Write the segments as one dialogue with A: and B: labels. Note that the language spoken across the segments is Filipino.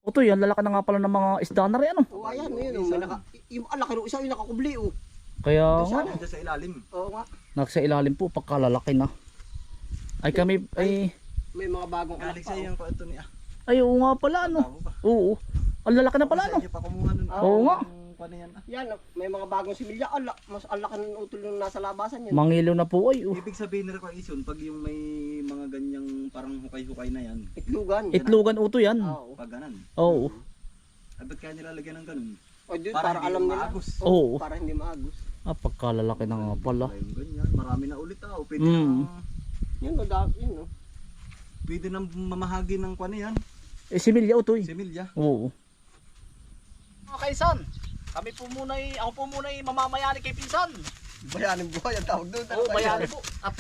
A: Otoy, ang lalaki na nga pala ng mga isda na rin ano.
B: Oo, ayan, yun. May yung alaki rin, isa yung nakakubli, oh.
A: Kaya nga,
C: Diyan sa ilalim.
B: Oo nga.
A: nasa ilalim po pagkalalaki na. Ay kami, ay,
B: May mga bagong anak
C: Galing
B: pa,
C: sa
B: oh.
C: yung ito ni
A: ay oo nga pala ano.
C: Tama ba?
A: Oo, ang lalaki na pala ano.
C: Sa inyo pa kumuha nun.
A: Oo nga.
C: Paano yan?
B: Yan, may mga bagong similya. Mas alaki ng utol yung nasa labasan yun.
A: Mangilo na po ay.
C: Ibig sabihin na rin yun, pag yung may mga ganyang parang hukay-hukay na yan,
B: Itlugan.
A: Itlogan uto yan.
B: Oo.
C: pag ganan.
A: Oo.
C: Ay, ba't kaya nilalagyan ng ganun?
B: O, dude,
C: Para
B: para
C: hindi
B: alam nila.
C: maagos.
A: Oo.
B: Para hindi maagos.
A: Ah, pagkalalaki na nga pala.
C: Yung ganyan, marami na ulit ah. O, pwede
A: Mm.
C: na,
B: Yun, yun, no.
C: pwede na mamahagi ng kwan yan.
A: Eh, similya utoy.
C: Semilya.
A: Oo.
D: Mga kaisan, kami po muna ako po muna mamamayani kay Pinsan.
B: Bayaning buhay ang tawag doon.
D: Oo, bayani po. At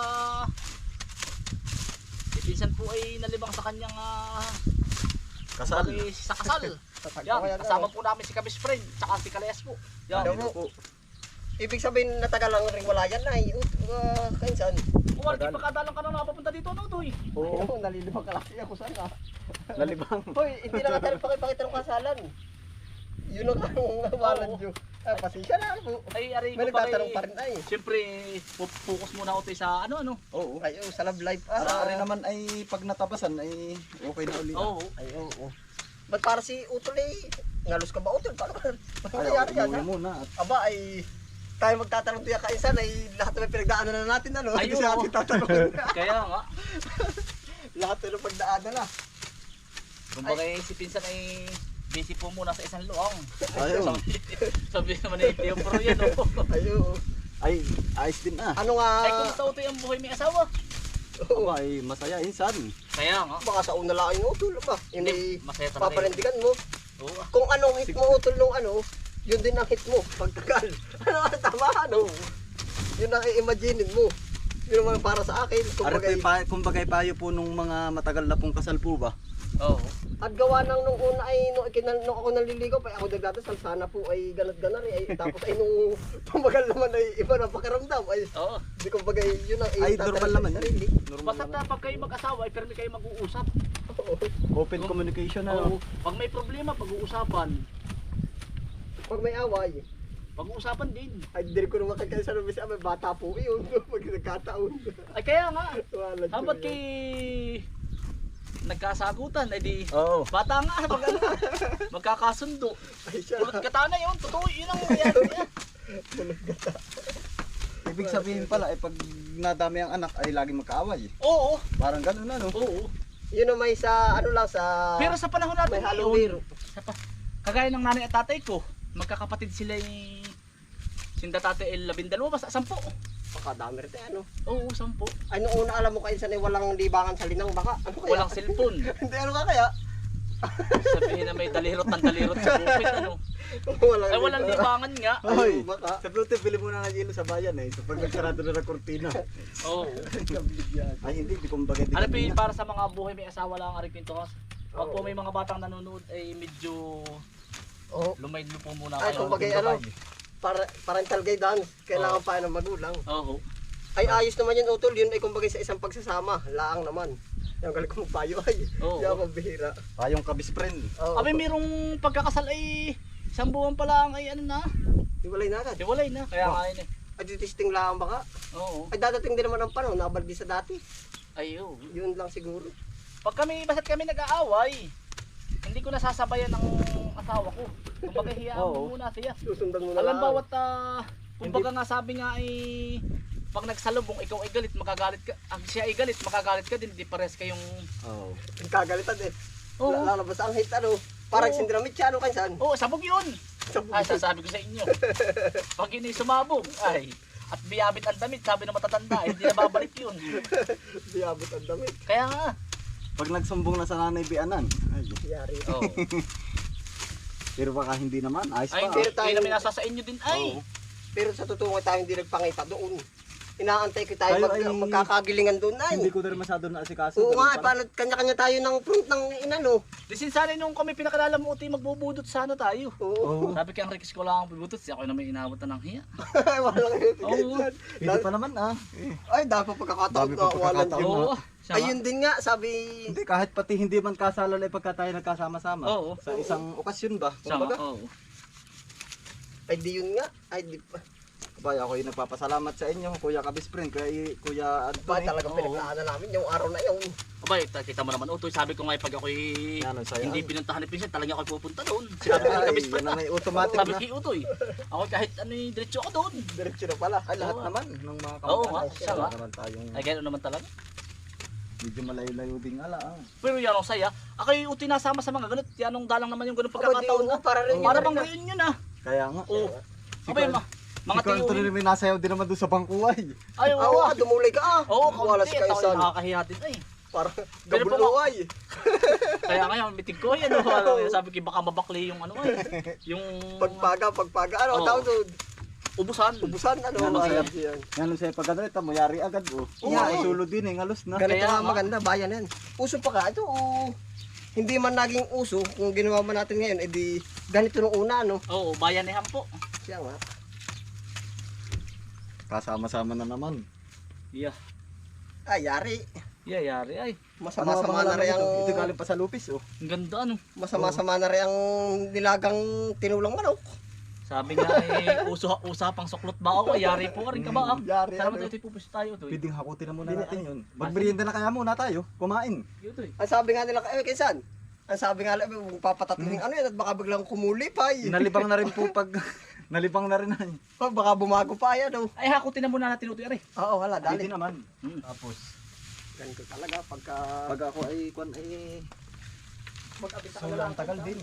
D: si Pinsan po ay nalibang sa kanyang
C: Kasal.
D: sa kasal. Yan, kasama po namin si Kabis Friend, tsaka si Kalayas po. Yan.
B: Ano po? Ibig sabihin natagal lang rin wala yan na. Kainsan.
D: Kung wala di pagkadalang ka na nakapunta dito, no, Toy?
B: Oo, nalilibang ka lang siya kung saan ah.
C: Lalibang.
B: Hoy, hindi na natin pakipakita ng kasalan. Yun ang nawalan nyo. Ah, pasensya na po.
D: Ay, aray
B: May
D: ko pa
B: nagtatanong pa rin ay.
D: Siyempre, focus muna ako Toy sa ano.
C: Oo.
B: Ay, sa love life.
C: Para rin naman ay pag natabasan ay okay na ulit.
D: Oo.
B: Ay, oo. Ba't para si Utol eh? Ngalos ka ba Utol? Paano
C: Ay,
B: nangyari yan ha?
C: umuwi muna. At
B: Aba ay tayo magtatanong tiyak kainsan ay lahat na may pinagdaanan na natin ano.
D: Ay,
B: Hindi siya
D: oo.
B: ating tatanungin.
D: Kaya nga,
B: Lahat na ng pagdaanan na.
D: kumbaga si Pinsan ay busy po muna sa isang luang.
C: Ayun.
D: Sabi naman ni Tio Pro yan, oh.
B: Ay, oo.
C: Ay, ayos din ah.
B: Ano nga?
D: Ay, kumusta Utoy ang buhay may asawa?
B: Oo.
C: Aba, ay masaya insan.
D: Kaya nga.
B: Baka sa una lang yung Utol ba?
D: Hindi,
B: Hindi
D: masaya talaga yun.
B: papanindigan mo.
D: Oo.
B: Kung anong hit mo Utol nung ano, yun din ang hit mo. Pagtagal. Ano nga tama ano? Yun ang i-imaginein mo. Yun naman para sa akin.
C: Kumbagay payo po nung mga matagal na pong kasal po ba?
D: Oo.
B: At gawa nang nung una ay nung ako naliligaw pa ako nagdadasal sana po ay ganat-ganar ay tapos ay nung tumagal naman ay iba na pakiramdam ay
D: Oo.
B: di ko bagay yun ang
C: Ay,
B: itatala
C: normal
B: sa
C: naman yun.
B: sarili.
C: Normal
D: Basta
C: naman.
D: pag kayo mag-asawa ay permi kayo mag-uusap.
B: Oo.
C: Open communication na.
D: Oo. Pag may problema, pag-uusapan.
B: Pag may away
D: Pag-uusapan din.
B: ay di ko naman kagaya sa nabis may bata po yun pag nagkataon.
D: Ay kaya nga.
B: Wala
D: Dapat kay nagkasagutan ay di
C: Oo.
D: bata nga pag ano, magkakasundo.
B: ay siya.
D: Pulot gata na yun. Totoo yun ang nangyari niya.
C: Ibig sabihin pala, pag nadami ang anak ay lagi magkaaway.
D: Oo.
C: Parang ganun na, no?
D: Oo.
B: Yun ang may sa ano lang sa
D: Pero sa panahon natin
B: may halong
D: ngayon,
B: biro.
D: kagaya ng nanay at tatay ko, magkakapatid sila yung sinda tatay ay 12 basta 10.
B: Pakadami rin ano.
D: Oo, 10.
B: Ay nung una alam mo kayo sa walang libangan sa linang baka. Ano kaya?
D: Walang cellphone.
B: Hindi ano ka kaya?
D: Sabihin na may dalirot ng dalirot sa bukid ano.
B: Walang
D: Ay walang libangan nga.
C: Ay,
B: baka.
C: sa Pluto, bili muna ng yelo sa bayan eh. So pag nagsarado na ng kortina.
D: Oo.
C: Ay hindi, di kumbaga di
D: Ano pa
C: ganun
D: yun,
C: na.
D: para sa mga buhay may asawa lang ang aripinto kasi. Pag po may mga batang nanonood ay medyo
B: Oh,
D: lumaydlo po muna
B: ay
D: kayo.
B: kumbaga ano, parental guidance kailangan pa ng magulang.
D: Oo.
B: Ay ayos naman yun Utol, yun ay kumbaga sa isang pagsasama, laang naman. Yung galing ko magpayo ay,
D: Oo.
B: di ako bihira.
C: Tayong kabis friend.
B: Oh,
D: Kami merong pagkakasal ay 1 buwan pa lang ay ano na,
B: iwalay na agad.
D: hiwalay na. Kaya nga yun eh.
B: Ay testing lang baka.
D: Oo.
B: Ay dadating din naman ang panahon, nabalik din sa dati.
D: Ayo.
B: Yun lang siguro.
D: Pag kami, basta't kami nag-aaway, hindi ko nasasabayan ng asawa ko. Kumbaga hiyaan
C: Oo.
D: mo muna siya.
B: Susundan mo na
D: Alam
B: lang.
D: bawat kumbaga nga sabi nga ay pag nagsalubong ikaw ay galit magagalit ka. Ang siya ay galit magagalit ka din, di pares kayong
C: Oo.
B: Kagalitan eh.
D: Oo.
B: Lalabas ang hit ano. Parang
D: Oo.
B: sindramit siya ano kansan.
D: Oo, sabog 'yun.
B: Sabog
D: Ay
B: yun.
D: sasabi ko sa inyo. Pag yun ay sumabog, ay at biyabit ang damit, sabi ng matatanda, hindi na babalik 'yun.
B: Di abot ang damit.
D: Kaya nga.
C: Pag nagsumbong na sa nanay bianan. Ay,
B: Yari.
D: Oo.
C: pero baka hindi naman. Ayos
D: Ay,
C: pa.
D: hindi,
B: pero tayo-
D: hindi namin nasa sa inyo din ay.
C: Oo.
B: Pero sa totoo nga tayo hindi nagpangita doon. Inaantay ko tayo
C: Tayo ay-
B: magkakagilingan doon ay.
C: Hindi ko na rin masyado na asikaso.
B: Oo nga,
C: Ganun pala.
B: paano kanya-kanya tayo ng front ng inano.
D: Disin sana nung kami pinakalala mo uti magbubudot sana tayo.
B: Oo.
C: Oo.
D: Sabi kay ang Rex ko lang ang bubudot, siya ako na may inabot na ng hiya.
B: Walang
D: Oo.
C: Hindi pa naman
B: Ay, dapat pagkakataon
C: Dami
B: na
C: pa
B: walang
C: pagkakataon.
B: yun.
D: Oo. Siya nga.
B: Ayun din nga, sabi,
C: Hindi, kahit pati hindi man kasalan ay pagka tayo nagkasama-sama.
D: Oo.
C: Sa isang okasyon ba?
D: Siya nga,
C: Kumbaga,
D: oo.
B: ay di yun nga, ay di pa.
C: Abay, ako ay nagpapasalamat sa inyo, Kuya Kabisprin, Kuya
B: Ba,
C: Anthony.
B: talagang
D: Oo.
B: pinaglaanan namin yung araw na yun.
D: Abay, kita mo naman utoy, sabi ko nga pag ako'y
C: Yan, saya.
D: hindi pinuntahan ni Pinsan, talaga ako'y pupunta doon. Sinabi ko
C: Ay,
D: kami
C: yan na may automatic
D: sabi
C: na.
D: kay Utoy, ako kahit ano yung diretso ako doon.
B: Diretso na pala.
C: Ay, lahat
D: Oo.
C: naman ng mga
D: Oo,
C: kamag-anak.
D: nga, siya
C: Wala
D: nga.
C: naman tayong
D: Ay, gano'n naman talaga.
C: medyo malayo-layo din ala.
D: Pero yan ang saya. Ako yung Utoy nasama sa mga ganun. Yan ang dalang naman yung ganun
B: Aba, di
D: pagkakataon
B: yun
D: na.
B: nga, para rin
D: Para
B: yun
D: bang
B: na.
D: reunion ah.
C: Kaya nga.
D: Oo. Abay, mga
C: Si Kuya Anthony
D: tiyuhin.
C: rin may nasayaw din naman doon sa bangkuay.
D: Ay,
B: Oo,
D: oo.
B: dumulay ka ah.
D: Oo,
B: Wala
D: kaunti.
B: si Kaisan.
D: Nakakahiya din ay.
B: Para
D: Pero po,
B: gabuluay.
D: Kaya ngayon, mitig ko yan. Sabi ko baka mabakli yung ano ay. Yung
B: Pagpaga. Ano,
D: Oo.
B: tawag doon?
D: ubusan.
B: Ubusan, ano,
C: Ano,
B: masaya
C: sir?
B: yan.
C: Yan sa'yo pag ano ito, muyari agad oh.
B: Oo.
C: Ay, sulo din eh, ngalos na.
B: Ganito
D: Kaya
B: nga
D: nga.
B: maganda, bayan yan. Uso pa ka, ito, hindi man naging uso, kung ginawa man natin ngayon, edi ganito nung una, no?
D: Oo, bayanihan po.
B: Siya nga.
C: Kasama-sama na naman.
D: Yeah.
B: Ay, yari.
D: Yeah, yari ay.
B: Masama-sama na rin ang,
C: Ito galing pa sa lupis oh.
D: Ang ganda ano.
B: masama-sama na rin ang nilagang tinulang manok.
D: Sabi nga eh, usapang suklot ba ako? Ay, yari po ka rin ka ba?
B: Yari,
D: Salamat
B: ano.
D: ito, pupusto tayo ito.
C: Pwedeng hakutin na muna natin yun. Magmerienda na kaya muna tayo, kumain.
D: Ito eh.
B: Ang sabi nga nila, kaysan? Ang sabi nga nila, papatatlong ano yan, at baka biglang kumulipay.
C: Nalibang na rin po pag, nalibang na rin ay.
B: Baka bumago pa yan, no?
D: Ay, hakutin na muna natin ito, Ari.
B: Oo, wala,
C: Pwede
B: dali.
C: naman.
D: Hmm.
C: Tapos,
B: Ganito talaga, pagka...
C: pag ako ay, kwan ay,
B: Mag-abita ka na
C: sobrang
B: lang.
C: tagal din.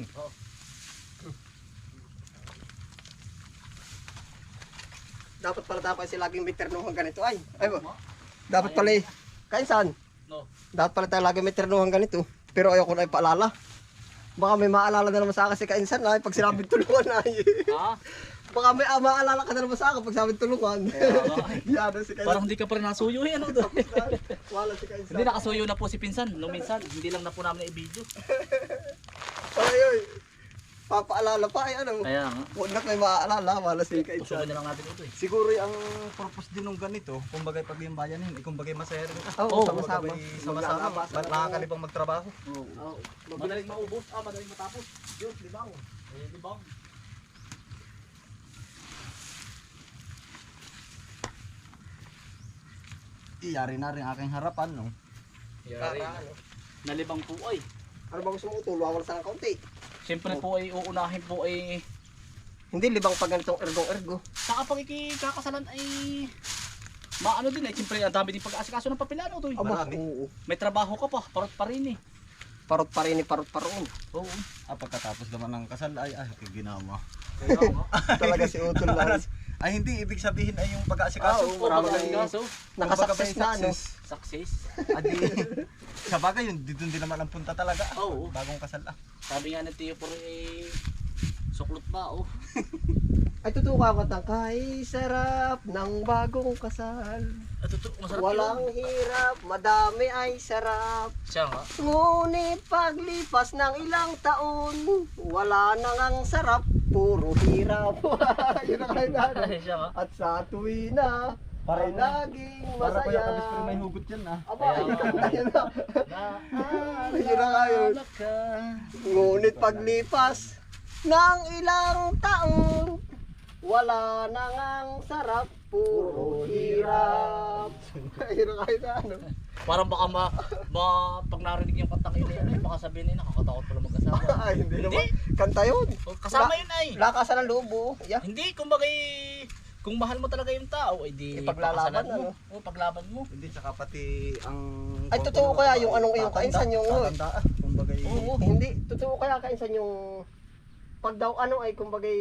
B: Dapat pala tayo kasi laging may ternuhan ganito, ay. Ay ba? Dapat pala eh. Kaysan?
D: No.
B: Dapat pala tayo laging may ternuhan ganito. Pero ayoko na ipaalala. Baka may maalala na naman sa akin si Kainsan na pag sinabing tulungan ay.
D: Ha?
B: Baka may maalala ka na naman sa akin pag sinabing tulungan. Yan si Kainsan.
D: Parang hindi ka pa rin nasuyo eh, ano doon.
B: Wala si Kainsan.
D: Hindi nakasuyo na po si Pinsan, nung minsan. Hindi lang na po namin na-i-video.
B: Ay, ay. Papaalala pa ay ano.
D: Kaya nga.
B: Huwag na may maaalala. Wala si
D: Usugan
B: Kainsan.
D: na lang natin ito eh.
C: Siguro ang purpose din ng ganito, kumbaga pag yung bayanin, kumbaga masaya rin.
B: Oo,
C: Sama-sama.
B: sama-sama.
C: Sama-sama.
B: Maglalabasan ng-
C: Nakakalibang magtrabaho.
D: Oo. Madaling maubos, madaling matapos. Yun, libang. Eh, libang.
C: Iyari na rin aking harapan, no?
D: Yari.
B: Para, ano.
D: Nalibang po ay.
B: Ano ba gusto mo utulungan mo sa ng kaunti?
D: Siyempre po ay uunahin po ay
B: Hindi libang pag ganitong ergo-ergo.
D: sa kapag ikikakasalan ay maano din eh. Siyempre ang dami din pag-aasikaso ng papilano to eh.
B: Aba,
C: Marami.
B: oo.
D: May trabaho ka pa, parot pa rin eh.
B: Parot pa rin, parot pa roon.
D: Oo.
C: Pagkatapos naman ng kasal, ay ginawa.
D: Kaya nga.
B: Talaga si Utol lang.
C: Ay hindi, ibig sabihin ay yung pag-aasikaso.
B: Oo,
C: Kumbaga,
D: Pag-aasikaso,
B: Nakasuccess na, ano?
D: success.
C: Adi, sa bagay yun, dito din naman ang punta talaga.
D: Oo.
C: Bagong kasal ah.
D: Sabi nga ng tiyo po rin eh, suklot ba oh.
B: Ay, tutuka ko tang kay sarap ng bagong kasal.
D: At ito, masarap
B: Walang
D: yun.
B: hirap, madami ay sarap.
D: Siya nga.
B: Ngunit paglipas ng ilang taon, wala nang ang sarap, puro hirap. Yun ang kailangan.
D: Ay, siya nga.
B: At sa tuwi na, ay laging
C: Para
B: masaya.
C: kuya Kabisprin may hugot yan ah.
B: Aba,
D: Kaya
B: yun
D: nga.
B: na, yun na. Yun na nga yun.
D: Naalala ka.
B: Ngunit paglipas ng ilang taon, wala nang ang sarap, puro hirap. Yun ang kailangan.
D: Parang baka pag narinig yung kantang ina yan, baka sabihin nila, nakakatakot pala mag-asawa.
B: Ay, hindi
D: Hindi.
B: naman. Kanta yun.
D: Kasama yun ay.
B: Lakasan ng loob, yeah.
D: Hindi, kumbaga kung mahal mo talaga yung tao, ay di
B: Ipaglalaban,
D: pakasalan mo.
B: ano?
D: O, paglaban mo.
C: Hindi, tsaka pati ang...
B: Ay, totoo kaya yung anong iyong kainsan yung...
C: Tatanda ah. Kumbaga
B: Oo, hindi. Totoo kaya kainsan yung... Pag daw ano ay kumbagay...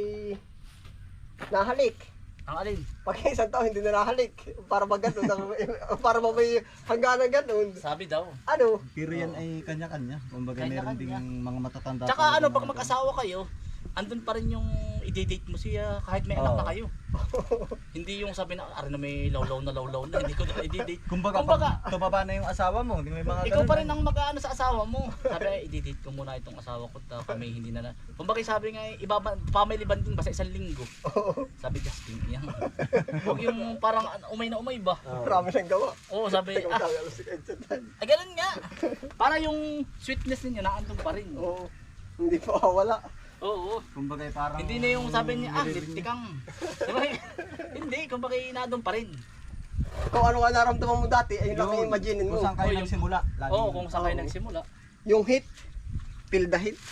B: Nahalik.
D: Ang alin?
B: Pag isang tao hindi na nahalik. Para ba ganun? Para ba may hangganan ganun?
D: Sabi daw.
B: Ano?
C: Pero yan ay kanya-kanya. Kumbaga meron
D: Kanya-kanya.
C: ding mga matatanda.
D: Tsaka
C: talaga
D: ano,
C: na
D: pag mag-asawa kayo, andun pa rin yung i-date mo siya kahit may anak na kayo. Hindi yung sabi na, ari na may lawlaw na, hindi ko na i-date.
C: Kumbaga, pag tumaba na yung asawa mo, hindi may mga
D: Ikaw
C: ganun,
D: pa rin ang mag-aano sa asawa mo. Sabi, i-date ko muna itong asawa ko, kami hindi na. Kumbaga sabi nga, family banding ba sa isang linggo? Sabi, Justin, yan. Huwag yung parang umay na umay ba?
B: Marami siyang gawa.
D: Oo, sabi,
B: Si Kainsan tayo.
D: ay ganun nga. Para yung sweetness ninyo naandun pa rin.
B: Oo. Hindi pa wala.
D: Oo.
C: Kumbaga parang...
D: Hindi na yung sabi niya, liptikang. Diba? Hindi, kumbaga naandun pa rin.
B: Kung ano ka naramdaman mo dati, ayun lang yung imaginin mo.
C: Kung saan kayo
D: Oo, yung-
C: nagsimula.
D: Oo, kung saan kayo
B: Oo.
D: nagsimula.
B: Yung hit, feel the hit.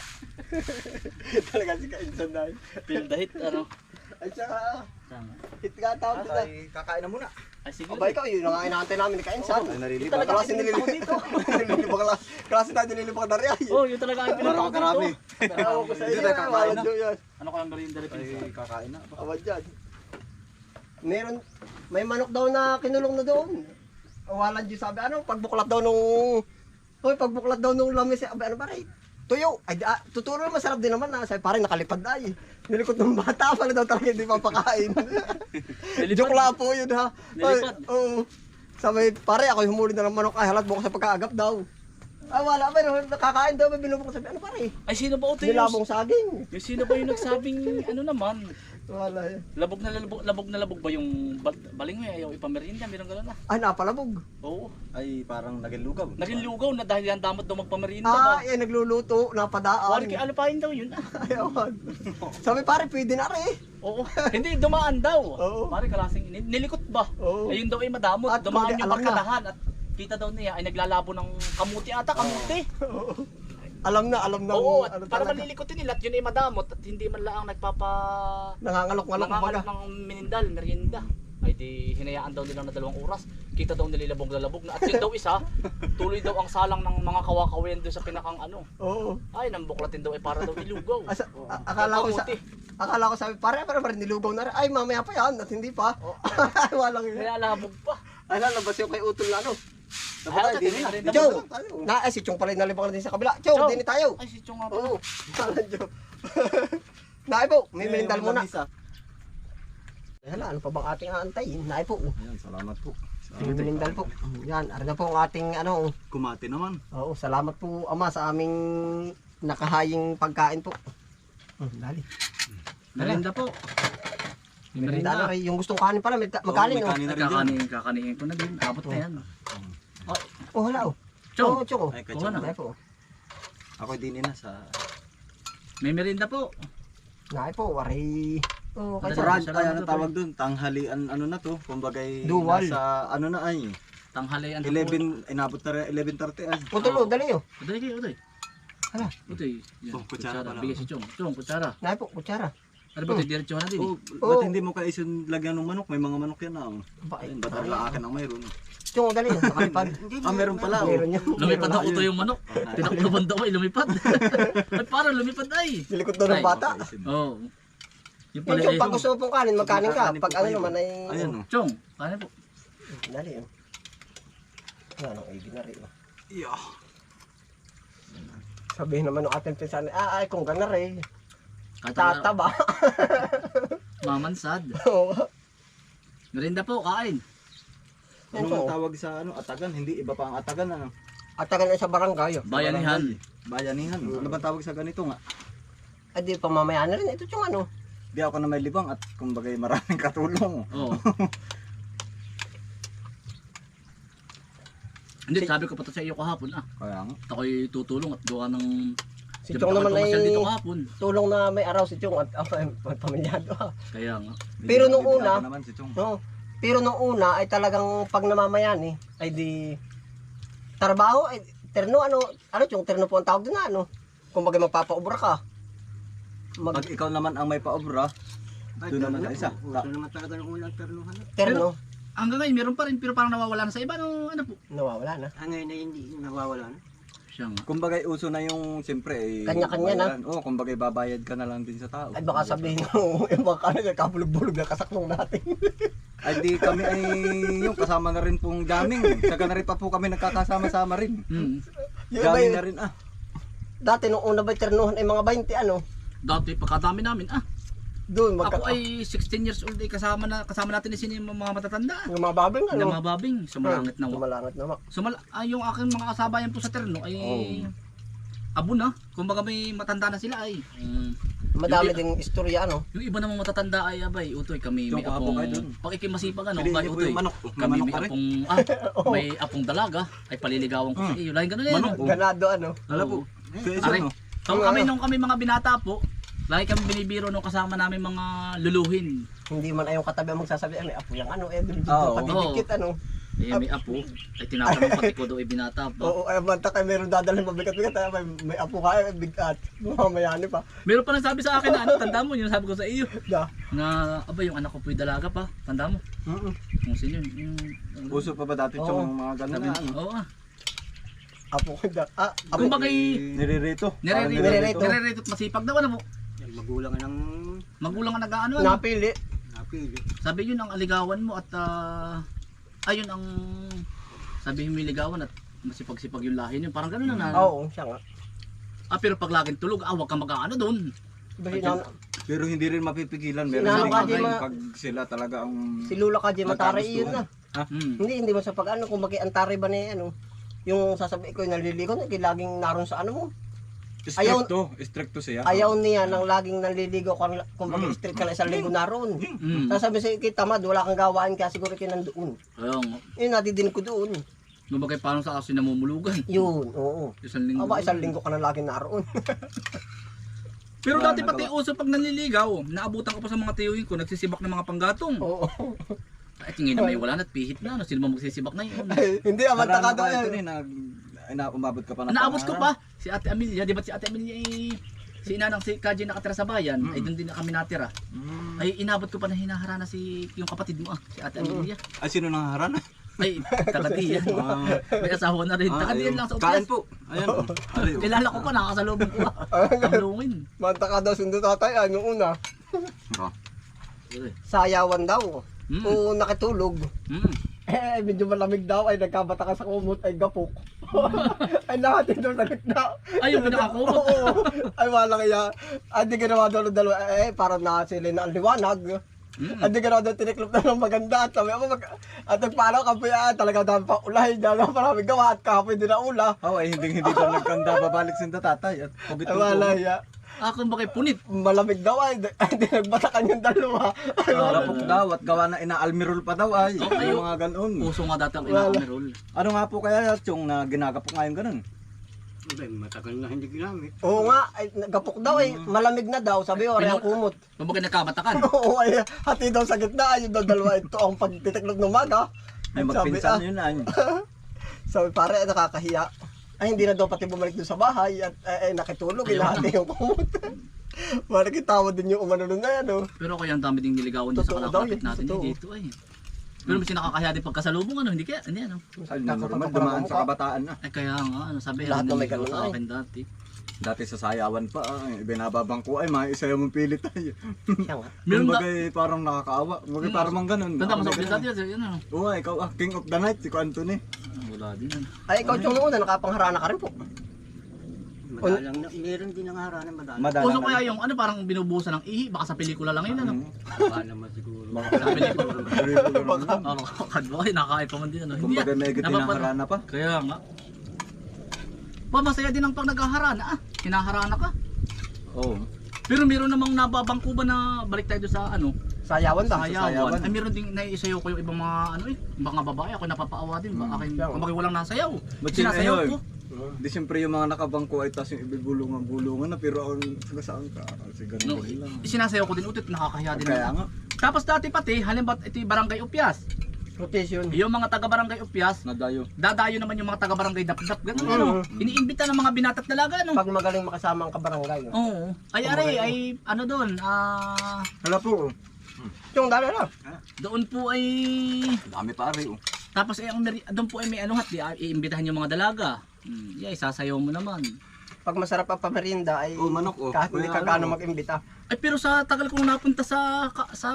B: Talaga si Kainsan tayo.
D: Feel the hit, ano.
B: Ay, tsaka,
D: Tama.
B: hit nga tawag nila.
C: Ay, kakain na muna.
D: Ay, sige.
B: Aba, ikaw, yun ang inaantay namin ni Kainsan.
C: Ay, nalilibang.
B: Talaga kasi
D: pinunta ko dito.
B: nililibang. Klase tayo nililibang na rin.
D: Oo, yun talaga ang pinunta ko
C: Marami.
D: dito.
B: Ewan ko sa
C: Hindi
B: inyo,
C: tayo kakain
B: wala
C: na.
B: dyan yan.
D: Ano kayang merienda rin
C: Ay,
D: pinsan?
C: kakain na.
B: Aba dyan. Meron, may manok daw na kinulong na doon. Awalan dyan sabi, ano, pagbuklat daw nung, pagbuklat daw nung lamis, ano ba rin? Tuyo, ay tuturo masarap din naman na, sabi pare nakalipad na eh. Nilikot ng bata pala daw talaga hindi papakain. Joke lang po yun ha.
D: Nilipad?
B: Ay, oo. Sabi, pare ako yung humuli na ng manok, ay halat bukas sa pagkaagap daw. Ah, wala ba, nakakain daw, may binubok sabi, ano pare?
D: Ay, sino ba ito
B: Nilabong saging.
D: yung sino ba yung nagsabing ano naman?
B: Wala yan.
D: Labog na labog ba yung baling mo ayaw ipamerienda? Meron gano'n na.
B: Ay, napalabog.
D: Oo.
C: Ay, parang naging lugaw.
D: Naging lugaw na dahil yan damot daw magpamerienda ba?
B: Ah, yan nagluluto, napadaan.
D: Wala kay alupain daw yun.
B: Ayawan. Sabi pare, pwede na rin.
D: Oo. Hindi, dumaan daw.
B: Oo.
D: Pare kalasing nilikot ba?
B: Oo.
D: Ayun daw ay madamot.
B: At
D: Dumaan
B: hindi,
D: yung
B: alam na.
D: barkadahan at kita daw niya ay naglalabo ng kamuti ata, kamuti.
B: Alam na
D: Oo, at
B: ano
D: para
B: talaga.
D: malilikotin nila at yun ay madamot at hindi man lang
B: Nangangalok-ngalok
D: nangangalap
B: kumbaga.
D: ng minindal, merienda. Ay di hinayaan daw nila na 2 oras. Kita daw nililabog-lalabog na. At yun daw isa, tuloy daw ang salang ng mga kawakawayan doon sa pinakang ano.
B: Oo.
D: Ay, nang buklatin daw ay para daw ilugaw.
B: Akala ko sabi, pare nilugaw na rin. Ay, mamaya pa yan at hindi pa. Walang yun.
D: Kaya labog pa.
B: Ay, lalabas yung kay Utol na ano.
D: Ay, din na.
B: Chong! Si Chong pala nalibang na din sa kabila. Chong, din tayo.
D: Ay, si Chong nga pala.
B: Oo. Chong. Naay po, may merindal muna. Hala, ano pa bang ating aantayin? Naay po.
C: Ayan, salamat po.
B: May merindal po. Yan, ano na po ang ating ano.
C: Kumati naman.
B: Oo, salamat po ama sa aming nakahaying pagkain po. Dali.
D: Merienda po.
B: Merinda na rin. Yung gustong kanin pala, magkanin
C: may
B: oh.
C: kanin na rin dyan.
D: Kakanihin ko na din. Abot na yan.
B: Oh, hala oh.
D: Chong,
B: Oo, Chong oh.
C: Ay, kay
D: Oo,
C: Chong.
B: Naay po.
C: Ako din na sa...
D: may merienda po.
B: Naay po, wari. Oh, kay
D: Sarap.
B: Chong.
C: Brad, ay ano tawag dun? Tanghalian ano na to? Kumbagay
B: Dual.
C: nasa ano na ay.
D: Tanghalian po.
C: 11, inabot na rin 11:30 ay.
B: Utol oh, dali oh.
D: Utoy kayo, utoy.
B: Hala.
D: Utoy. Yan,
C: Oh, kutsara pala.
D: Bigay si Chong. Chong, kutsara.
B: Naay po, kutsara.
D: Ano ba ito? Diretso na din eh.
C: Oh, ba't hindi mo kaisun lagyan ng manok? May mga manok yan ah.
B: Ba,
C: Ayun, ba't ang akin ang mayroon?
B: Chong, dali. Nakalipad.
C: Meron pala.
B: Meron yan.
D: Lumipad
B: Meron
D: ako utoy yung manok. Tinakluban daw ay lumipad. Ay parang lumipad ay.
B: Nilikot daw ng bata.
D: Oo. Yung
B: Yung
D: pala
B: Chong, pag gusto mo pong kanin, magkanin ka. Pag ano naman ay...
C: Ayan oh.
D: Chong, kanin po.
B: Dali oh. Ano, ay ginari oh.
C: Yeah.
B: Sabihin naman ng ating pinsan, ay kung gana rin.
D: Kata
B: Tataba.
D: mamansad.
B: Oo.
D: Merienda po, kain.
C: Ano
B: Oo.
C: ang tawag sa ano? Atagan? Hindi, iba pa ang atagan ano?
B: At tagal na sa barangay oh.
D: Bayanihan.
C: Bayanihan. Ano ba tawag sa ganito nga?
B: Ay di pamamayaan na rin. Ito yung ano.
C: Di ako na may libang at kumbagay maraming katulong.
D: Oo. Hindi, sabi ko pa to sa iyo kahapon ah.
C: Kaya nga.
D: At ako'y tutulong at gawa ng...
B: Si
D: Di
B: Chong
D: ba
B: naman ay
D: pumasyal dito kahapon.
B: tulong na may araw si Chong at pamilyado ha.
D: Kaya nga.
B: Pero nung
C: Bibigyan
B: una-
C: ko naman si Chong.
B: No. Pero nung una ay talagang pag namamayani ay di trabaho ay terno ano Chong terno po ang tawag doon na ano. Kung bagay magpapaubra ka.
C: Pag ikaw naman ang may paobra, doon naman sa isa.
B: Terno
D: Hanggang ngayon, meron pa rin, pero parang nawawala na sa iba. Ano po?
B: nawawala na.
E: Ngayon na hindi nawawala na.
D: Siya nga.
C: Kumbagay uso na yung siyempre eh.
B: Kanya-kanya na.
C: bayaran. Oo, kumbagay babayad ka na lang din sa tao.
B: Ay baka sabihin mo yung mga kanin kapulog-bulog na kasaknong natin.
C: Ay di kami ay yung kasama na rin pong gaming. Saka na rin pa po kami nagkakasama-sama rin.
D: Hmm.
B: Yung
C: Gaming
B: iba,
C: na rin ah.
B: dati nung una ba ternuhan ay mga 20 ano.
D: Dati, pagkadami namin ah.
B: Doon,
D: Ako ay 16 years old, kasama natin sino yung mga matatanda.
B: yung mga babing
D: Yung mga babing, sumalangit na.
B: Sumalangit na.
D: Yung aking mga kasabayan po sa terno ay abo na. Kumbaga may matanda na sila ay.
B: Madami
D: Yung-
B: ding istorya, ano?
D: Yung iba namang matatanda ay abay, utoy kami may
C: Yung kahapon
D: apong
C: kayo dun.
D: pag ikimasipag ano,
C: Pili
D: kay
C: niyo po
D: utoy.
C: yung manok. May
D: Kami
C: manok
D: may
C: pa rin.
D: apong may apong dalaga ay paliligawan ko sa iyo. Lain ganun yan.
C: Manok.
D: no?
B: Ganado, ano?
C: Alam po. Kaya isa
D: Aray,
C: no.
D: nung kami mga binata po, lagi kami binibiro nung kasama namin mga luluhin.
B: Hindi man ayong katabi ang magsasabi, may apo yung ano, dito
C: Oo.
B: patidikit, ano?
D: Eh may apo, ay tinatanong pati ko daw ay binata pa.
B: Oo, ay banta kayo meron dadalhin mabigat-bigat, ay may apo kayo, bigat. Mamayani pa.
D: Meron pa nang sabi sa akin na ano, tanda mo yung sabi ko sa iyo.
B: Da.
D: Na aba yung anak ko po'y dalaga pa, tanda mo. Kung sino yun,
C: Uso pa ba dati
B: Oo.
C: yung mga ganun
D: sabi,
C: na ano?
D: oo ah.
B: Apo ko da. Apo.
D: Kumbagay,
C: Niririto. Parang
B: Nirerito.
D: nire-rate at masipag daw ano mo.
E: Yan, magulang ng
D: Magulang ang nag-ano ano.
B: Napili.
E: napili.
D: Sabi yun ang aligawan mo at ayun ang sabi mo ligawan at masipag-sipag yung lahi niyo. Parang gano'n na.
B: Oo, siya nga.
D: Pero pag laging tulog, wag kang mag-ano doon.
B: Basi
C: Pero hindi rin mapipigilan. Meron
B: Sinama
C: din
B: ka,
C: bagay
B: Jema.
C: pag sila talaga ang...
B: si Lula ka, Matari,
C: Magkagustuhan.
B: yun na. Hindi mo sa pag ano, kung antari ba ni ano, yung sasabi ko naliligo, laging naroon sa ano mo.
C: Stricto siya.
B: Ayaw niya nang laging naliligo kung strict ka na isang linggo naroon. Sasabi sa kita, tamad, wala kang gawaan kaya siguro kayo nandoon.
D: Ayun.
B: Yun, natidinig ko doon.
D: Nubagay paano sa aso namumulugan.
B: Yun, oo.
D: Isang linggo.
B: Aba, isang linggo ka na laging naroon.
D: Pero
C: Wala
D: dati pati uso pag nanliligaw, naabutan ko pa sa mga tiyuhin ko, nagsisibak ng mga panggatong.
B: Oo.
D: Ay, tingin na may wala na at pihit na. Ano, sino ba magsisibak na yun?
B: Hindi, amanta ka daw
C: ito
B: yan.
C: umabot ka pa ng
D: Naabot ko pa, si Ate Amelia, di ba si Ate Amelia ay si inanang si Kaji nakatira sa bayan, ay doon din na kami natira. Ay inabot ko pa na hinaharana si yung kapatid mo si Ate Amelia.
C: Ay, sino nang harana?
D: Ay, takadiyan. May asawa na rin. Takadiyan lang sa
C: Kain
D: Upias.
C: po. Ayan. Aliw.
D: Kilala ko pa, nakakasalubong ko. Tamlungin.
B: Manta ka daw sundo tatay, ano una. Sayawan daw. O nakitulog. Medyo malamig daw, ay nagkabata ka sa kumot, ay gapok. Ay natin daw sa gitna.
D: Ay, yung pinakakumot.
B: Oo. Ay wala kaya. Ay di ginawa daw ng dalawa. Parang na sila na ang liwanag. Ay di ginawa daw tiniklop na ng maganda. At sabi ako, at nagpanaw ka po yan. Talaga dami pa ulay. Dami pa maraming gawa at kapoy din na ula.
C: Ay, hindi daw nagkanda babalik sinta tatay. At pugit
B: Ay wala ya.
D: Kung bakit punit.
B: Malamig daw ay. Ay di nagbatakan yung dalawa. Ay wala.
C: Rapok daw at gawa na inaalmirol pa daw ay.
D: Okay.
C: Yung mga ganon.
D: Puso nga dati ang ina-amerol.
C: Ano nga po kaya yung na ginagapok ngayon ganon?
E: Ay, matagal na hindi ginamit.
B: Oo nga, ay gapok daw ay. Malamig na daw. Sabi ko, ang kumot.
D: Kung bakit nagkamatakan.
B: Oo ay. Hati daw sa gitna. Ayun daw dalawa. Ito ang pagtitiklop ng maga.
C: Ay,
B: Sabi,
C: magpinsan yun ay.
B: Sabi pare, nakakahiya. Ay hindi na daw pati bumalik doon sa bahay at nakitulog, inahati yung kumot. Parang kitawa din yung umano nun na yan, oh.
D: Pero kaya ang dami ding niligawan din sa
B: Totoo daw
D: kalakapit
B: yun,
D: natin
B: totoo.
D: dito ay. Pero mas nakakahiya din pagkasalubong ano, hindi kaya, hindi ano.
C: Ay, normal dumaan sa kabataan na.
D: Ay kaya nga, ano sabi,
B: Lahat na may
D: niligaw
B: ganun
D: sa
B: ay.
D: akin dati.
C: Dati sa sayawan pa, binababang ko ay maisayaw mong pilit tayo.
B: Siya nga.
D: Meron
C: Yung
D: da,
C: bagay parang nakakaawa. Bagay parang mang ganun.
D: tanda mo sa
C: May
D: umpisa
C: ganun.
D: dati, ano.
C: Oo, ikaw king of the night, si Ko Anthony.
D: Wala din yan.
B: Ay ikaw yung una, nakapangharana ka rin po.
E: Madalang na, meron din ang haranan madalang.
C: Madalang
D: Puso
C: na
D: kaya
C: rin.
D: yung ano, parang binubusan ng ihi, baka sa pelikula lang yun, ano.
E: Baka naman siguro.
D: Sa pelikula.
C: Baka.
D: Kadwa, nakakain pa man din, ano. Hindi
C: Kumbaga may
D: yan.
C: gatin ng harana pa.
D: Kaya nga. Masaya din ang pag naghaharana, hinaharana ka.
C: Oo.
D: Pero meron namang nababangko ba na balik tayo doon sa ano,
B: Sayawan daw.
D: sayawan. Ay meron ding naiisayaw ko yung ibang mga ano mga babae, ako napapaawa din ba akin.
B: Sayaw.
D: Kung bakit walang nasayaw.
C: Ba't
D: Sinasayaw
C: yun,
D: ko.
C: Di siyempre yung mga nakabangko ay tas yung ibigulungan-gulungan na pero ang saan ka kasi ganun
D: No,
C: din lang.
D: sinasayaw ko din ulit, nakakahiya din.
C: Kaya nga,
D: Tapos dati pati, halimbawa ito yung Barangay Upias.
B: Rotation.
D: Yung mga taga Barangay Upias,
C: nadayo.
D: dadayo naman yung mga taga Barangay Dapdap. Ganun
B: Mm.
D: ano. Iniimbita ng mga binatat dalaga ano.
B: Pag magaling makasama ang kabarangay. Oh.
D: Oo. Ay are, ay ano doon,
C: Hala po.
B: Yung dala na.
D: doon po ay
C: Dami pare oh.
D: tapos ay doon po ay may ano hat, iimbitahan yung mga dalaga. Yeah, sasayaw mo naman.
B: Pag masarap ang pamerinda ay
C: Oh, manok, oh.
B: kahit hindi
C: May
B: ka
C: ano,
B: gaano
C: oh.
B: mag-imbita.
D: Ay pero sa tagal kong napunta sa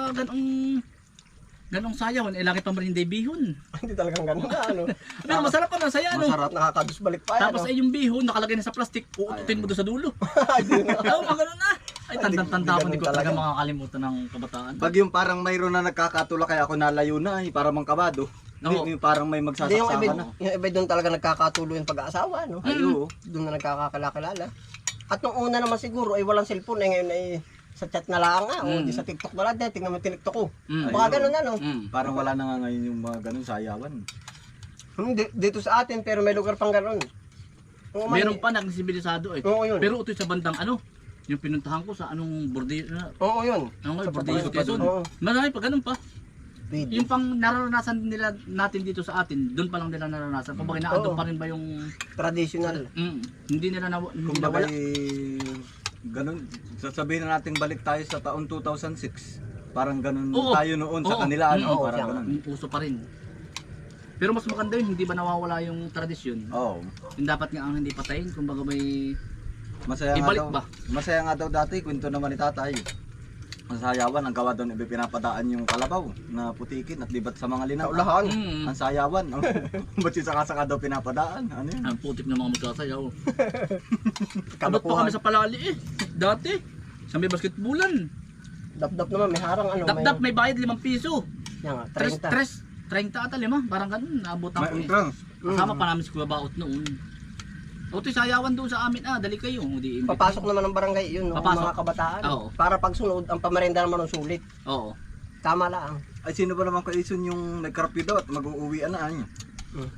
D: ganong sayawan, eh laki pa rin hindi bihon.
B: Hindi talagang gano'n na, ano.
D: Pero masarap pa na saya ano.
B: Masarap, nakakadusbalik pa yan.
D: Tapos ay yung bihon nakalagay na sa plastic, uututin mo doon sa dulo.
B: Ay, di na.
D: Oo, mga ganun na. Ay, tandang-tanda ko,
B: Hindi
D: hindi ko
B: ganun
D: talaga
B: talaga.
D: makakalimutan ng kabataan.
C: Pag yung parang mayroon na nagkakatula kaya ako nalayo na para mangkabado.
D: Oo.
C: Hindi, yung parang may
B: Hindi,
C: magsasaksakan na.
B: yung iba doon talaga nagkakatuloy yung pag-aasawa, no?
C: Ay, oo.
B: Doon na nagkakakilala. At nung una naman siguro ay walang cellphone, eh ngayon ay sa chat na lang nga, o di sa TikTok na lang, din, tingnan mo yung TikTok ko.
D: Mm.
B: Baka ganun ano.
C: Parang wala na nga ngayon yung mga ganun sayawan.
B: Dito sa atin, pero may lugar pang ganun. Oo,
D: Meron pa nagsibilisado eh.
B: Oo, yun.
D: Pero ito sa bandang ano, yung pinuntahan ko sa anong bordillo na,
B: Oo, yun.
D: ano nga,
B: Sa
D: bordillo
B: Patayan.
D: Quezon.
B: Oo.
D: Marami pa, ganun pa.
B: Pwede.
D: Yung pang nararanasan nila natin dito sa atin, doon pa lang nila nararanasan. Kung bakit naandun
B: Oo.
D: pa rin ba yung,
B: Traditional.
D: hindi nila
C: Kung
D: nawala.
C: ganun, sasabihin na natin balik tayo sa taon 2006. Parang ganun
D: Oo.
C: tayo noon sa
D: Oo.
C: kanila, ano,
B: Oo,
C: parang
B: siya.
C: ganun.
D: Uso pa rin. Pero mas maganda yun, hindi ba nawawala yung tradisyon?
C: Oo.
D: Yung dapat nga ang hindi patayin, kumbaga may
C: Masaya nga
D: Ibalik
C: daw.
D: ba?
C: Masaya nga daw dati, kwento naman ni tatay. Ang sayawan, ang gawa doon, pinapadaan yung kalabaw na putikin at libat sa mga linang.
B: Kaulahan.
C: Ang sayawan. Ba't yung saka-saka daw pinapadaan? Ano yun?
D: ang putik ng mga magsasayaw. Abot pa
B: Kabakuhan.
D: kami sa palali eh. Dati, sa may basketbulan.
B: Dap-dap naman, may harang ano.
D: Dap-dap may bayad 5 piso.
B: Yan nga,
D: 30 ata 5, parang ganun, naabutan
C: May
D: ko eh.
C: entrance.
D: Kasama pa namin si Kuya Baot noon. O ito sayawan doon sa amin, dali kayo. Di,
B: Papasok naman ng barangay yun, no?
D: Papasok.
B: Mga kabataan.
D: Oo.
B: Para pag sunod, ang pamerenda naman ng sulit.
D: Oo.
B: Tama lang.
C: Ay, sino ba naman kaison yung nagkarapyo daw at mag-uuwian na niya?
B: Hmm.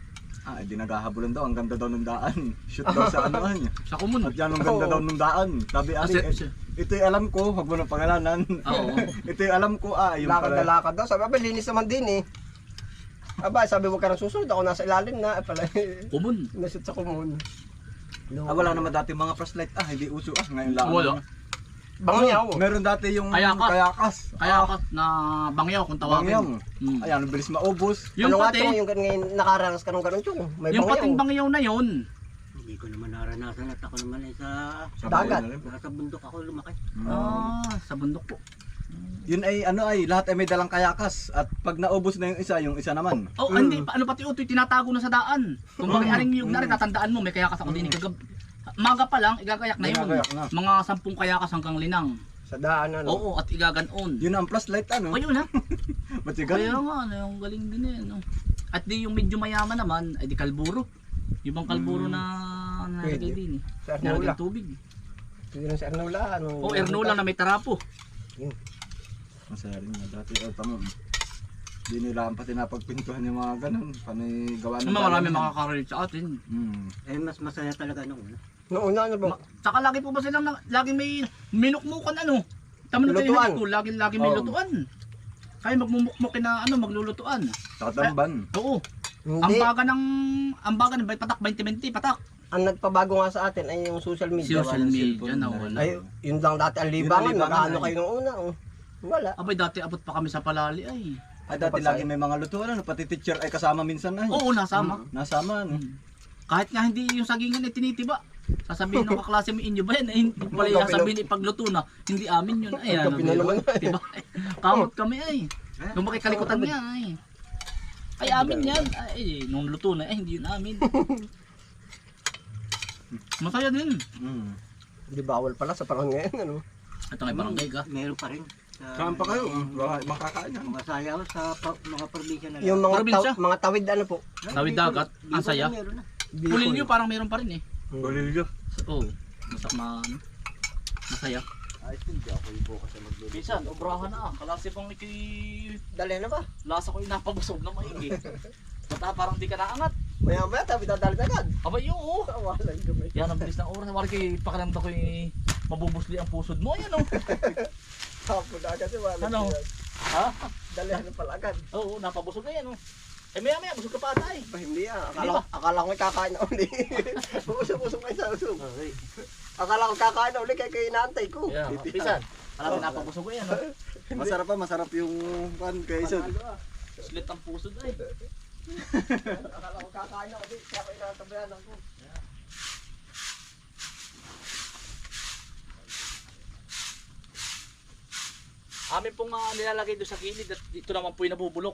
C: Di naghahabulan daw. Ang ganda daw ng daan. Shoot daw sa ano niya.
D: Sa kumun.
C: At yan ang ganda
B: Oo.
C: daw ng daan. Sabi, ito'y alam ko. Huwag mo nang pangalanan.
D: Oo.
C: Ito'y alam ko. Yung
B: Lakad na
C: pala.
B: lakad daw. Sabi, abay, linis naman din eh. Aba, sabi, huwag ka nang susunod. Ako nasa ilalim na. Pala,
D: Kumun.
B: nashoot sa kumun.
C: Wala naman dati mga flashlight. Hindi uso. Ngayon lang.
D: Wala.
B: Bangyaw.
C: Meron dati yung
D: Kayakas.
C: kayakas.
D: Kaya ka na bangyaw kung tawagin.
C: Bangyang.
D: Mm.
C: Ayan, ang bilis maubos.
D: Yung
B: Ano nga
D: pati,
B: to, yung ngayon nakaranas ka nung ganun chung. May
D: yung pating
B: bangyaw.
D: bangyaw na yun.
E: Hindi ko naman naranasan at ako naman ay
B: Dagat.
E: sa bundok ako lumaki.
D: Sa bundok po.
C: Yun ay lahat ay may dalang kayakas. At pag naubos na yung isa naman.
D: Oh, hindi pa ano pati utoy tinatago na sa daan. Kung bakit aring yung nari tatandaan mo may kayakas ako din kagab. Maga pa lang igagayak na yun.
C: Igagayak na.
D: Mga 10 kayakas hanggang linang.
B: Sa daan ano.
D: Oo, at igaganon.
C: Yun ang flashlight ano.
D: Ayun ha.
C: Ba't yung
D: Kaya
C: ganun?
D: nga, ano, yung galing din eh. No? At di yung medyo mayaman naman, ay di kalburo. Yung bang kalburo na nalagay
B: Pwede.
D: din eh.
B: Sa
D: Nalagay
B: Ernola.
D: tubig.
B: Sige lang sa Ernola. Ano,
D: O Ernola na may tarapo.
C: Masaya rin nga dati. Tama. Di nila ang pati napagpintuhan yung mga ganun. Panay gawa ng
D: Marami
C: bayan.
D: makaka-relate sa atin.
E: Eh mas masaya talaga nung una.
B: Noong una ano ba?
D: Saka lagi po ba silang lagi may minukmukan ano? Tama na tayo
B: Lutuan.
D: high school, lagi may
C: Oo.
D: lutuan. Kaya magmumukmukin na ano, maglulutuan.
C: Sa katamban.
D: Oo. Ang
B: Hindi.
D: baga ng patak 20-20 patak.
B: Ang nagpabago nga sa atin ay yung social media.
D: Social
B: Ano,
D: media
C: cellphone
D: na
C: na
D: wala.
B: Ay, yun lang dati ang libangan.
C: libangan,
B: Magkano
C: ay.
B: kayo nung una? Oh. Wala.
D: Abay dati abot pa kami sa palali ay.
C: Ay dati lagi may mga lutuan. Ano, pati teacher ay kasama minsan ay.
D: Oo, nasama.
C: Nasama ano.
D: Kahit nga hindi yung sagingan ay tinitiba. Sasabihin ng kaklase mo inyo ba yan? Hindi pala yung
B: Magkapi
D: sasabihin ipagluto na. Hindi amin yun. Ay, ano,
B: Magkapi na naman.
D: diba? Kamot kami ay. Nung makikalikutan niya ay. Ay amin yan. Ay, nung luto na hindi yun amin. Masaya din.
B: Hindi bawal pala sa panahon ngayon. Ano?
D: Ito ngay barangay ka.
E: Meron pa rin.
C: Saan pa kayo? Makakain yan.
E: Mga sayaw sa mga probinsya na lang.
B: Yung mga,
D: Probinsya?
B: mga tawid ano po?
D: Tawid dagat. Ang saya.
E: Meron na.
D: Pulilyo parang meron pa rin eh.
C: Bolilyo.
D: Oo. Masaya.
C: Ay, hindi ako yung bukas na magluluto.
D: Minsan, obrahan na. Kalasi pang
B: Dali na ba?
D: lasa ko yung napabusog na maigi. Bata parang di ka naangat.
B: Maya maya tabi dadali agad.
D: Abay, oo.
B: Wala yung gamay.
D: Yan ang bilis ng oras. Wala kayo pakiramdam ko yung mabubusli ang pusod mo. Ayan o.
B: Hapon na agad. Wala.
D: Ano?
B: yan.
D: Ha?
B: Dali na pala agad.
D: Oo, napabusog na yan o. Eh maya maya, busog ka pa ata eh.
B: Ba, hindi ah.
D: Hindi ba?
B: Akala ko may kakain na uli. Usok kayo sa usok.
E: Okay.
B: Akala ko kakain na uli kaya inaantay ko.
D: Yeah, pisan. Alam mo, napabusog ko yan o.
C: Masarap yung pan kaison.
D: Slit ang pusod ay.
B: Akala ko kakain na uli kaya ko inaantabayan ako.
D: Amin pong nilalagay doon sa gilid at dito naman po yung nabubulok.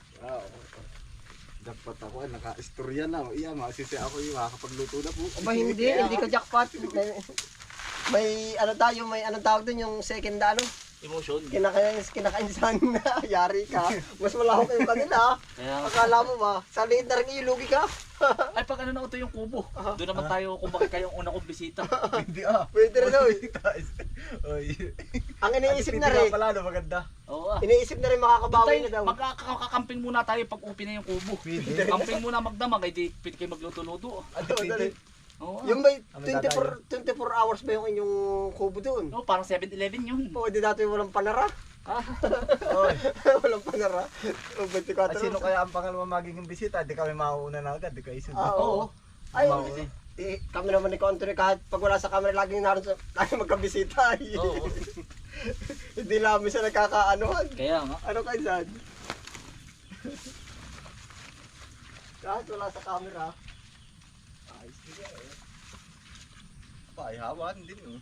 C: Dapat ako ay naka-istorya na. Iya, masisi ako yung makakapagluto na po.
B: Aba hindi ka jackpot. may ano tayo, may anong tawag doon yung second ano,
D: Emotion.
B: kinakainsan na, yari ka. Mas malawak yung kanila.
D: Kaya,
B: Akala mo ba, sa liit na rin ilugi ka.
D: ay pag ano na ito yung kubo. Doon naman tayo kung bakit kayong una kong bisita.
C: Hindi ah.
B: Pwede rin oy.
C: Oy.
B: Ang iniisip na rin,
C: pala, no, maganda.
D: Oo ah.
B: iniisip na rin makakabawi na daw.
D: Magkakamping muna tayo pag upi na yung kubo.
C: Pwede.
D: Camping muna magdamag, ay di pwede kayo magluto-luto.
C: Pwede.
D: Oo ah.
B: Yung may
C: Ano
B: 24 hours ba yung inyong kubo doon?
D: Oo, parang 7-Eleven yun.
B: O, di dati walang panara.
C: Oy.
B: Walang panara. O, 24
C: At sino
B: hours.
C: kaya ang pangalawa magiging bisita? Di kami mauuna na agad, di kayo isunod.
B: Ah, oo.
D: Oo.
B: Ay,
C: Mauna.
B: kami naman ni Country kahit pag wala sa camera laging naroon sa laging magkabisita.
D: Oo.
B: Hindi namin siya nagkakaanohan.
D: Kaya nga.
B: Ano kayo saan? Kahit wala sa camera.
C: Ayos nila eh. Paihawan din oh.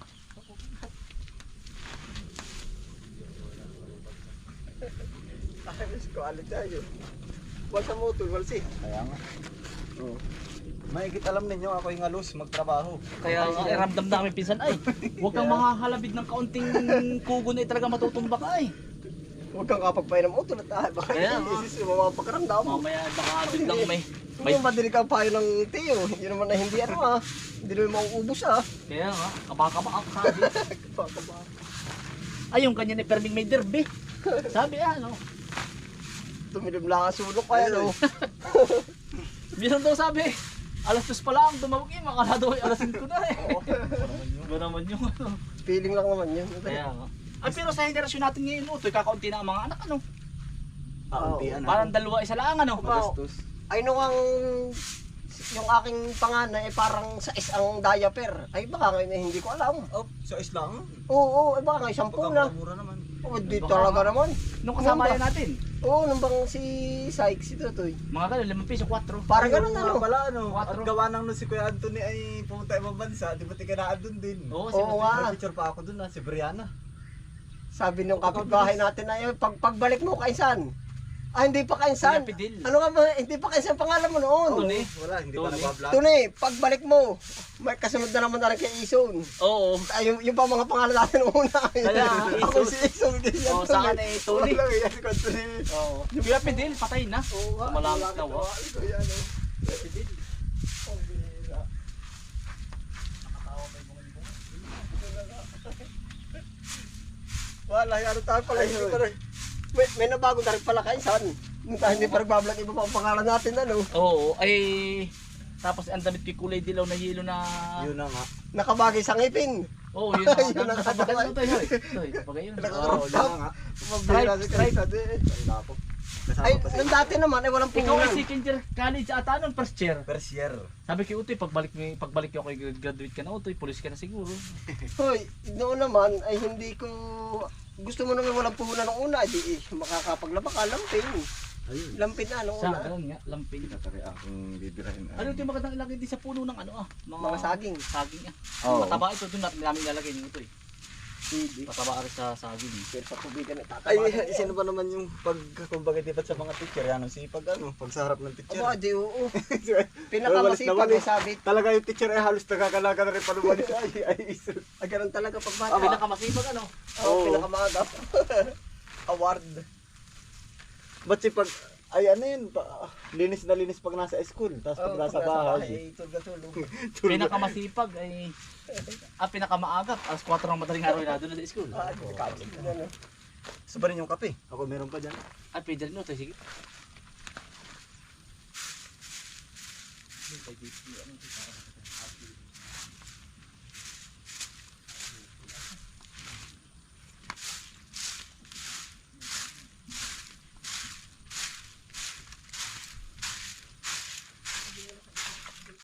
B: Ayos ko, alit tayo. Wala sa motor, wala si.
C: Kaya nga. Oo. Maigit alam ninyo ako yung alus magtrabaho.
D: Kaya nga, ramdam namin pinsan, ay, huwag kang makahalabid ng kaunting kugo na talaga matutumba ka ay.
B: Huwag kang kapagpainom mo, tulad tayo. Baka
D: Kaya nga.
B: isis mo mga pakaramdam.
D: Mamaya baka biglang may
B: May madilig ang payo ng tiyo. Yun naman na hindi ano ah. Hindi naman mauubos ah.
D: kaya nga, kabaka ang sabi. Ay, yung kanya ni Perming may derby. Sabi ano,
B: Tumilim lang ang sulok kaya no.
D: minsan daw sabi, alas 2 pa lang, dumawag eh, makala daw ay alas 5 na eh. Ba naman yung ano.
B: Feeling lang naman yun.
D: Kaya nga. Ay, pero sa henerasyon natin ngayon, utoy, kakaunti na ang mga anak, ano?
C: Kauntian
D: Parang dalawa, isa lang, ano?
C: Magastos.
B: Ay nung yung aking panganay ay parang sa ang diaper. Ay baka ngayon hindi ko alam.
C: Oh, sa islang.
B: Oo, ay baka ngayon 10 na.
C: Pagkakamura naman.
B: Oo, di
D: Baka
B: talaga
D: nga.
B: naman.
D: Nung kasama
B: Ano ba?
D: yan natin,
B: Oo, nung bang si Sykes, si Tutoy.
D: mga ganun, 5 piso, 4.
B: Parang ganun
C: Nga
B: ano.
C: pala ano. At
D: Quatro.
C: gawa nang no si Kuya Anthony ay pumunta ibang bansa, di ba tikanaan dun din?
D: Oo,
B: Oo nga.
C: May picture pa ako dun si Brianna.
B: Sabi nung kapitbahay natin na pagbalik mo kainsan. Ah, hindi pa kainsan.
D: Pinapidil.
B: Ano nga ba? Hindi pa kainsan pangalan mo noon.
D: Tony.
C: Wala, hindi pa
D: Tony.
C: nagbablog.
B: Tuni, pagbalik mo, may kasunod na naman na rin kay Ison.
D: Oo.
B: Ay, yung pa mga pangalan natin una.
D: Kaya,
B: Ako
D: Ison.
B: si Ison.
D: Oo, sa akin ay Tony.
B: Wala, yan ko Tuni.
D: Oo. Yung pinapidil, patay na.
B: Oo nga.
D: Malangit na,
B: wala. Ito yan, oh.
D: Pinapidil.
B: Ang bihira. Wala, ano tayo pala. Hindi pa rin. May nabago na rin pala kainsan. Dahil hindi pa nagbablog iba pa ang pangalan natin, ano.
D: Oo, ay... Tapos ang damit ko kulay dilaw na yelo na...
C: Yun na nga.
B: Nakabagay sa ngipin.
D: Oo, yun na.
B: Yun na nga.
D: Napagay mo tayo, hoy. Hoy, napagay yun.
C: Oo, yun na nga.
B: Mabihira si kainsan eh.
C: Tapos,
B: Ay, nung dati naman, ay walang
D: Ikaw ay
B: puhunan.
D: second year college ata nun, first year.
C: first year.
D: Sabi kay Utoy, pagbalik ko kay graduate ka na Utoy, police ka na siguro.
B: Hoy, noon naman ay hindi ko gusto mo naman walang puhunan ng una, di makakapaglaba ka lampin.
C: Ayun.
B: Lampin na nung
D: Sa
B: una.
D: ganun nga, lamping.
C: Tatari akong bibirahin.
D: Ano ito yung magandang ilagay din sa puno ng ano ah?
B: Mga saging.
D: Saging ah.
C: Oo.
D: Mataba ito, doon namin ilalagay ni Utoy.
B: Hindi.
D: Pataba rin sa saging.
B: Pero sa tubigan ay
C: Ay,
B: tataba.
C: sino ba naman yung pag, kumbaga dibat sa mga teacher, yan si pag ano, pag sa harap ng teacher.
B: Aba, di oo.
C: Walis
B: Pinakamasipag
C: na
B: ay
C: walis.
B: sabi.
C: Talaga yung teacher ay halos nagkakalaga na rin palumalis. Ay, iso.
B: Ay, ganun talaga pag
D: Ang
B: bata.
D: pinakamasipag ano?
B: Oo,
C: Oo.
B: pinakamaagap. Award.
C: Ba't si pag, ay ano yun, linis na linis pag nasa school, tapos pag nasa bahay.
B: ay tulog.
D: Pinakamasipag ay... pinakamaagap. Alas 4 ng madaling araw na doon sa school.
B: Ah, hindi ka ano.
C: Gusto ba rin yung kape? Ako meron pa dyan.
D: Ay, pwede rin Utoy, sige.